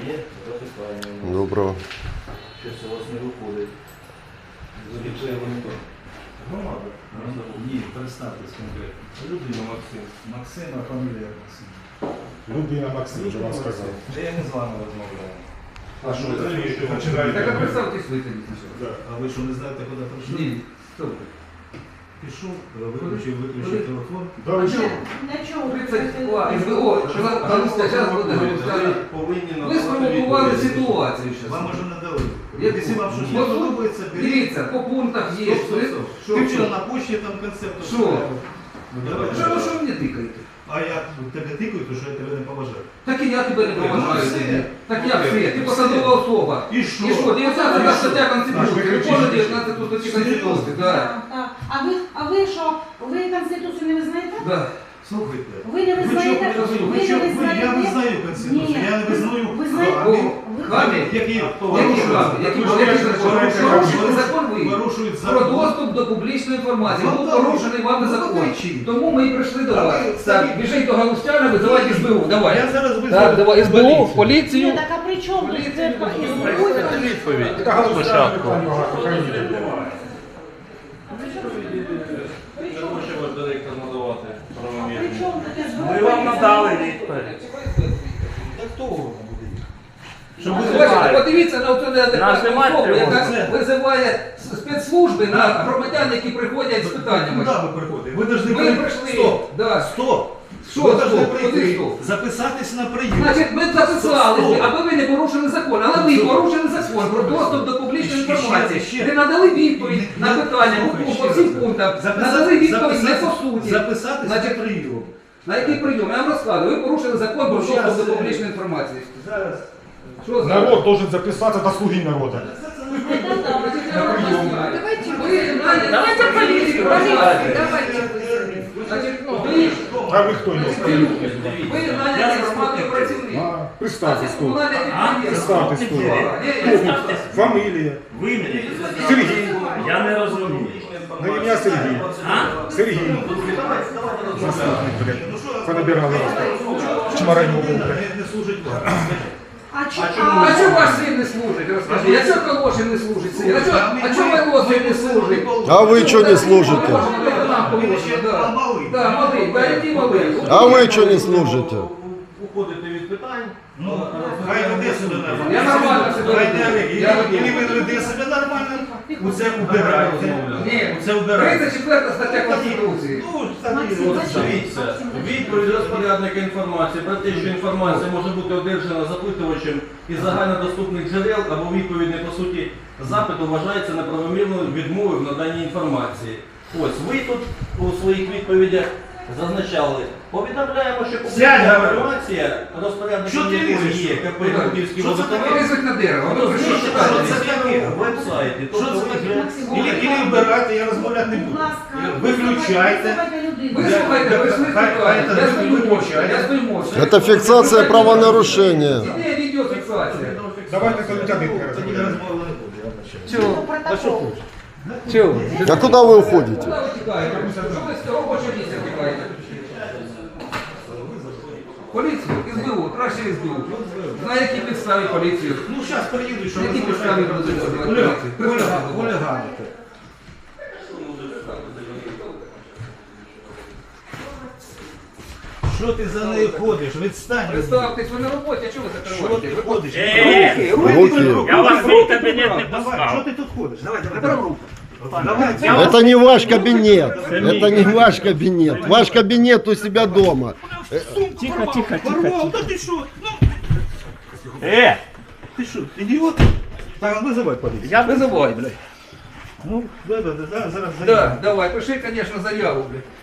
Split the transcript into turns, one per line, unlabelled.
Є запитання.
Доброго.
Щось у вас не виходить.
Громада? Ні, представтесь конкретно. Людина Максим. Максим, а фамілія Максим.
Людина Максим, вже вам сказав.
Та я не з вами розмовляю.
А що ви
починаєте?
починаєте?
Так а представьтесь вы тоді спочатку.
А ви що, не знаєте, куди прийшли?
Ні, стоп.
Пішов, виключив телефон.
Да, ви що?
Для чого?
32 СБО, зараз буде.
Повинні
Ви спровокували ситуацію
Вам
зараз.
уже не дали.
Я-
Якщо вам щось не
Вот тут,
подобається, беріть.
Дивіться, по пунктах є.
Стоп. Ти вчора на почті там концепт.
Що? Що ви мені тикаєте?
А я тебе тикаю, то що я тебе не поважаю.
Так і я тебе не поважаю.
все.
Так я все, ти посадова особа.
І що?
І що, 19 стаття Конституції,
ви
виконує
кричите.
19 статті
Серйозно?
Конституції, так.
Так. А ви що? Ви Конституцію не визнаєте?
Да.
Слухайте.
Ви не визнаєте?
Я визнаю Конституцію,
Ні.
я не визнаю
Ви знаєте?
хамів,
Хамі?
які
Які
порушують
закон ви?
порушують
Про
закон.
доступ до публічної інформації.
Ну,
Був
так,
порушений вами
ну,
закон.
кричіть.
Тому ми і прийшли до
А
вас.
ви
Так,
самі-
біжіть до Галустяна, визивайте СБУ. Давай.
Я зараз визнаю.
Так, давай, СБУ, поліцію.
Ні, так а при чому?
Поліцію
Це
не
Відповідь.
Така галузя питань багато, хай ні.
Не хоче ваш директор надавати
При
правомірні.
чому таке
Ми вам надали відповідь.
Так хто воно буде?
Що ви
Бачите,
знаєте?
подивіться на оцю неадекватну
немає
особу, яка
тривоги.
визиває спецслужби на громадян, які приходять з питаннями.
Куди ви приходите? Ви повинні
Ми прийшли.
Стоп!
Да.
Стоп!
Що
Ви
стоп?
повинні
Куди
прийти,
стоп?
записатись на прийом.
Значить, ми записалися,
Стоп.
аби ви не порушили закон. Але ви порушили закон про доступ до публічної
Ще,
інформації.
ще.
Ви надали відповідь
Не-
на питання
слухай,
по
ще
всім
раз.
пунктам.
Записати-
Надали відповідь не
записати-
по суті.
Записатись
Значить,
на прийом.
На який прийом? Я вам розказую. Ви порушили закон про
Ну,
доступ
щас,
до публічної інформації.
Зараз.
Що за?
Народ должен записаться до слуги народа.
Давайте поліцію, Значить, ви
А ви хто є?
Ви наняли громадний працівник.
Представтесь тут.
Комунальне підприємство.
Представтесь тут.
Ні,
Фамілія.
Ви мені?
Сергій.
Я не розумію.
На ім'я Сергій. Сергій. Заступник, блядь. Понабирали вас. Чмараню був, блядь.
Не служить вам.
А чого ваш син не служить? Розкажи. А чого Колошин не служить син? А чого Волосин не служить?
А ви чого не служите?
Да, малий. Да, який малий?
А ви чого не служите?
Уходите від питань.
Ну, хай веде себе нормально.
Я нормально себе
Хай
веду.
не-
Я веду.
Ілі ви веде себе нормально, оце убирайте.
Ні,
Оце убирайте.
34 стаття Конституції.
Ну, так і
Максим,
от.
Дивіться, відповідь розпорядника інформації про те, що інформація може бути одержана запитувачем із загальнодоступних джерел або відповідь не по суті запиту вважається неправомірною відмовою в наданні інформації. Ось ви тут у своїх відповідях зазначали. Повідомляємо, що
Сядь,
публічна
говорю.
інформація,
Що
розпорядником
ти
якої
лізеш?
є КП
Ну,
Гуківський
що це
водоканал,
таке?
Вилізуть на дерево. Ви прийшли
Що
читати.
це таке?
веб-сайті.
Що
Тобто
це
ви
таке?
вже-
Ілі вибирайте, я розмовляти не
Будь
буду.
ласка,
Виключайте.
Ви слухайте, ви слухайте. Я стою мовчки. Я стою мовчки.
Это фиксация правонарушения.
Іде відеофіксація.
Давайте до Лютяника
Тоді
розмовляємо.
розмови не буде, я вибачаю.
Чого?
Чого?
А куда вы уходите?
Куди ви тікаєте? Що ви з робочого місця тікаєте? Поліцію? СБУ, краще СБУ. На якій підставі поліцію?
Ну, зараз приїду, що
На якій підставі будуть визивати поліцію?
хуліганите. Що ти за нею ходиш? Відстань.
Представтесь, ви на роботі, а чого ви
Що
закриваєте?
ти ходиш?
Руки.
Я вас в свій кабінет не
Давай, що
пускав.
ти тут ходиш? Давай, руку. Давай,
Это не ваш кабинет. Это не ваш кабинет. Ваш кабинет у себя дома.
Тихо, тихо, тихо.
порвав, та ти що? Ну, ти що, ідіот? Так, визивай поліцію.
Я
Визивай, блядь.
Ну, зараз.
Да, давай, пиши, конечно, заяву, блядь.